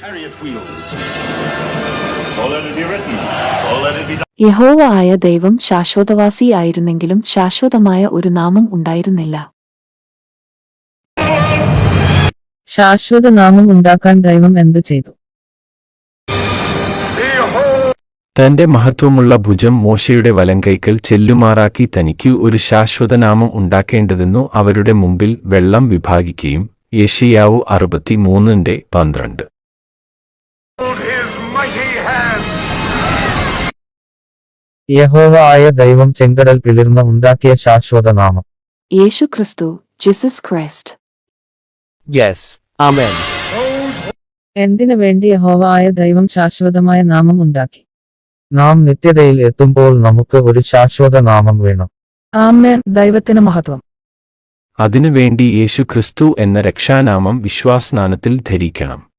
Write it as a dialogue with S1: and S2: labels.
S1: യഹോവ ആയ ദൈവം ശാശ്വതവാസി ആയിരുന്നെങ്കിലും ശാശ്വതമായ ഒരു നാമം ഉണ്ടായിരുന്നില്ല.
S2: ശാശ്വത നാമം ഉണ്ടാക്കാൻ ദൈവം എന്ത് ചെയ്തു?
S3: തന്റെ മഹത്വമുള്ള ഭുജം മോശയുടെ വലങ്കൈക്കൽ ചെല്ലുമാറാക്കി തനിക്ക് ഒരു ശാശ്വതനാമം ഉണ്ടാക്കേണ്ടതെന്നു അവരുടെ മുമ്പിൽ വെള്ളം വിഭാഗിക്കുകയും യെശയ്യാവ് 63:12.
S4: യഹോവ ആയ ദൈവം ചെങ്കടൽ പിളിർന്ന് ഉണ്ടാക്കിയ ശാശ്വത നാമം
S1: യേശു ക്രിസ്തു, ജീസസ് ക്രൈസ്റ്റ്.
S5: Yes. Amen.
S2: എന്തിനു വേണ്ടി യഹോവ ആയ ദൈവം ശാശ്വതമായ നാമം ഉണ്ടാക്കി?
S4: നാം നിത്യതയിൽ എത്തുമ്പോൾ നമുക്ക് ഒരു ശാശ്വത നാമം വേണം.
S2: ആമേൻ. ദൈവത്തിന് മഹത്വം.
S3: അതിനുവേണ്ടി യേശു ക്രിസ്തു എന്ന രക്ഷാനാമം വിശ്വാസസ്നാനത്തിൽ ധരിക്കണം.